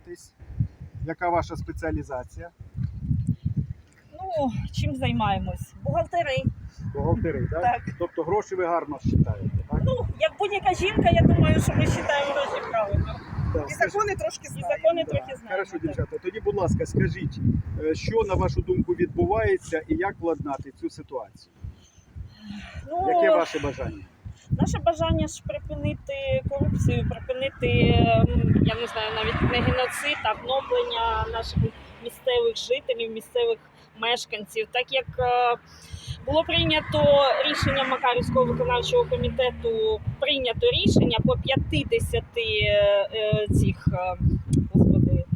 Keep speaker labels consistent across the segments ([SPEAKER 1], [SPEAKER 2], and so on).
[SPEAKER 1] займаєтесь? Яка ваша спеціалізація?
[SPEAKER 2] Ну, чим займаємось? Бухгалтери.
[SPEAKER 1] Бухгалтери, так?
[SPEAKER 2] Так.
[SPEAKER 1] Тобто гроші ви гарно вважаєте, так?
[SPEAKER 2] Ну, як будь-яка жінка, я думаю, що ми вважаємо гроші правильно.
[SPEAKER 1] Так,
[SPEAKER 3] І закони трошки
[SPEAKER 2] І
[SPEAKER 3] знаємо.
[SPEAKER 2] закони
[SPEAKER 1] да.
[SPEAKER 2] трохи знаємо.
[SPEAKER 1] Хорошо,
[SPEAKER 2] так.
[SPEAKER 1] дівчата. Тоді, будь ласка, скажіть, що, на вашу думку, відбувається і як владнати цю ситуацію?
[SPEAKER 2] Ну,
[SPEAKER 1] Яке ваше бажання?
[SPEAKER 2] наше бажання ж припинити корупцію, припинити, я не знаю, навіть не геноцид, а гноблення наших місцевих жителів, місцевих мешканців. Так як було прийнято рішення Макарівського виконавчого комітету, прийнято рішення по 50 цих, господи,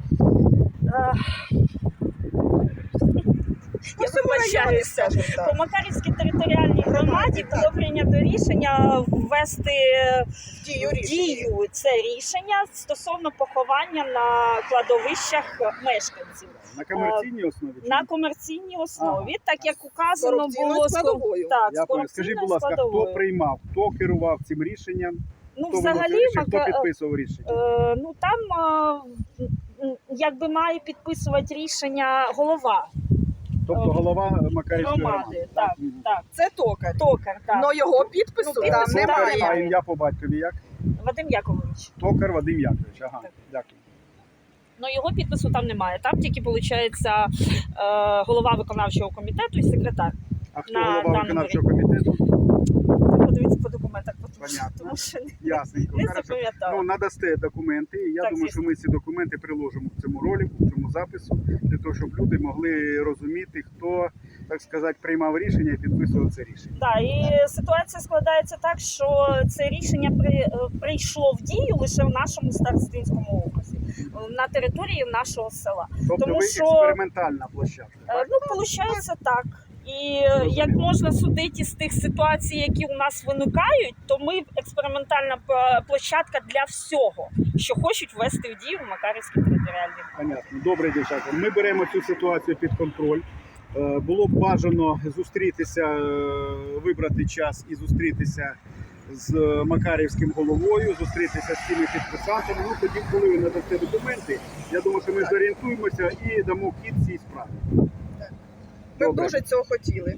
[SPEAKER 2] я вибачаюся. По Макарівській територіальній громаді було прийнято рішення ввести
[SPEAKER 3] В дію
[SPEAKER 2] в
[SPEAKER 3] рішення.
[SPEAKER 2] дію це рішення стосовно поховання на кладовищах мешканців.
[SPEAKER 1] На комерційній основі? чи
[SPEAKER 2] На
[SPEAKER 1] ні?
[SPEAKER 2] комерційній основі,
[SPEAKER 1] Ага.
[SPEAKER 2] так як указано
[SPEAKER 3] Корупційною
[SPEAKER 2] було
[SPEAKER 3] складовою.
[SPEAKER 2] Так,
[SPEAKER 1] Я
[SPEAKER 2] з
[SPEAKER 1] понял. Скажіть, будь
[SPEAKER 2] корупційною
[SPEAKER 1] ласка, хто
[SPEAKER 2] складовою.
[SPEAKER 1] приймав, хто керував цим рішенням?
[SPEAKER 2] Ну,
[SPEAKER 1] Хто
[SPEAKER 2] взагалі,
[SPEAKER 1] виносив рішення, хто підписував рішення?
[SPEAKER 2] ну там якби має підписувати рішення голова
[SPEAKER 1] Тобто голова Макарівської
[SPEAKER 2] громади.
[SPEAKER 1] громади.
[SPEAKER 2] Так,
[SPEAKER 1] Мгм.
[SPEAKER 2] так.
[SPEAKER 3] Це токар.
[SPEAKER 2] Токар, так.
[SPEAKER 3] Но його підпису
[SPEAKER 2] Ну,
[SPEAKER 3] там
[SPEAKER 2] підпису
[SPEAKER 1] Токар,
[SPEAKER 3] немає.
[SPEAKER 1] а ім'я по батькові як?
[SPEAKER 2] Вадим Яковлевич.
[SPEAKER 1] Токар Вадим Яковлевич. Ага,
[SPEAKER 2] Так.
[SPEAKER 1] дякую.
[SPEAKER 2] Ну, його підпису там немає. Там тільки, виходить, голова виконавчого комітету і секретар.
[SPEAKER 1] А хто
[SPEAKER 2] На
[SPEAKER 1] голова
[SPEAKER 2] даному
[SPEAKER 1] виконавчого комітету?
[SPEAKER 2] Подивіться по документах,
[SPEAKER 1] Понятно.
[SPEAKER 2] тому що
[SPEAKER 1] Ясненько.
[SPEAKER 2] не
[SPEAKER 1] Хорошо.
[SPEAKER 2] запам'ятала.
[SPEAKER 1] Ну, надасте документи, і я
[SPEAKER 2] Так,
[SPEAKER 1] думаю,
[SPEAKER 2] звісно.
[SPEAKER 1] що ми ці документи приложимо в цьому ролику, в цьому запису, для того, щоб люди могли розуміти, хто, так сказати, приймав рішення і підписував це рішення.
[SPEAKER 2] Так, і ситуація складається так, що це рішення прийшло в дію лише в нашому Старостинському окрузі, на території нашого села.
[SPEAKER 1] Тобто
[SPEAKER 2] Тому
[SPEAKER 1] ви
[SPEAKER 2] що-
[SPEAKER 1] експериментальна площадка, так?
[SPEAKER 2] Ну, виходить так. І як можна судити з тих ситуацій, які у нас виникають, то ми експериментальна площадка для всього, що хочуть ввести в дію в Макарівській територіальній.
[SPEAKER 1] Понятно. Добре, дівчата. Ми беремо цю ситуацію під контроль. Було б бажано зустрітися, вибрати час і зустрітися з Макарівським головою, зустрітися з цими підписантами. Ну, тоді, коли ви надасте документи, я думаю, що ми зорієнтуємося і дамо хід цій справі.
[SPEAKER 3] Ми б
[SPEAKER 1] Добре.
[SPEAKER 3] дуже цього хотіли.